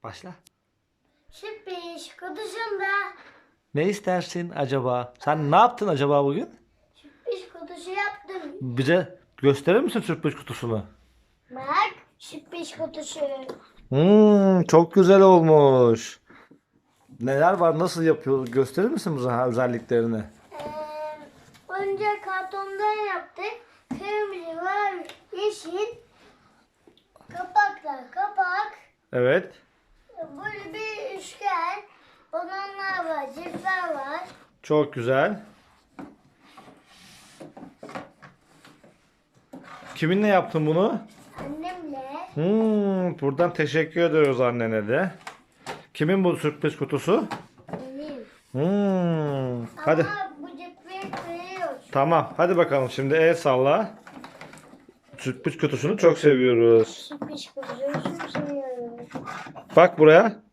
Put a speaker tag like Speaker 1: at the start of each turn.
Speaker 1: Başla.
Speaker 2: Sürpriz kutusunda.
Speaker 1: Ne istersin acaba? Sen ne yaptın acaba bugün?
Speaker 2: Sürpriz kutusu yaptım.
Speaker 1: Bize gösterir misin sürpriz kutusunu?
Speaker 2: Bak sürpriz kutusu.
Speaker 1: Çok güzel olmuş. Neler var? Nasıl yapıyor? Gösterir misin bu özelliklerini?
Speaker 2: Önce kartondan yaptık. Kırmızı var, yeşil. Kapak.
Speaker 1: Evet.
Speaker 2: Böyle bir üçgen. Balonlar var, cipler var.
Speaker 1: Çok güzel. Kiminle yaptın bunu?
Speaker 2: Annemle.
Speaker 1: Buradan teşekkür ediyoruz annene de. Kimin bu sürpriz kutusu?
Speaker 2: Benim.
Speaker 1: Hadi.
Speaker 2: Ama bu cipleri kırıyoruz.
Speaker 1: Tamam. Hadi bakalım şimdi el salla. Sürpriz kutusunu çok seviyoruz.
Speaker 2: Sürpriz kutusunu çok seviyorum.
Speaker 1: Bak buraya.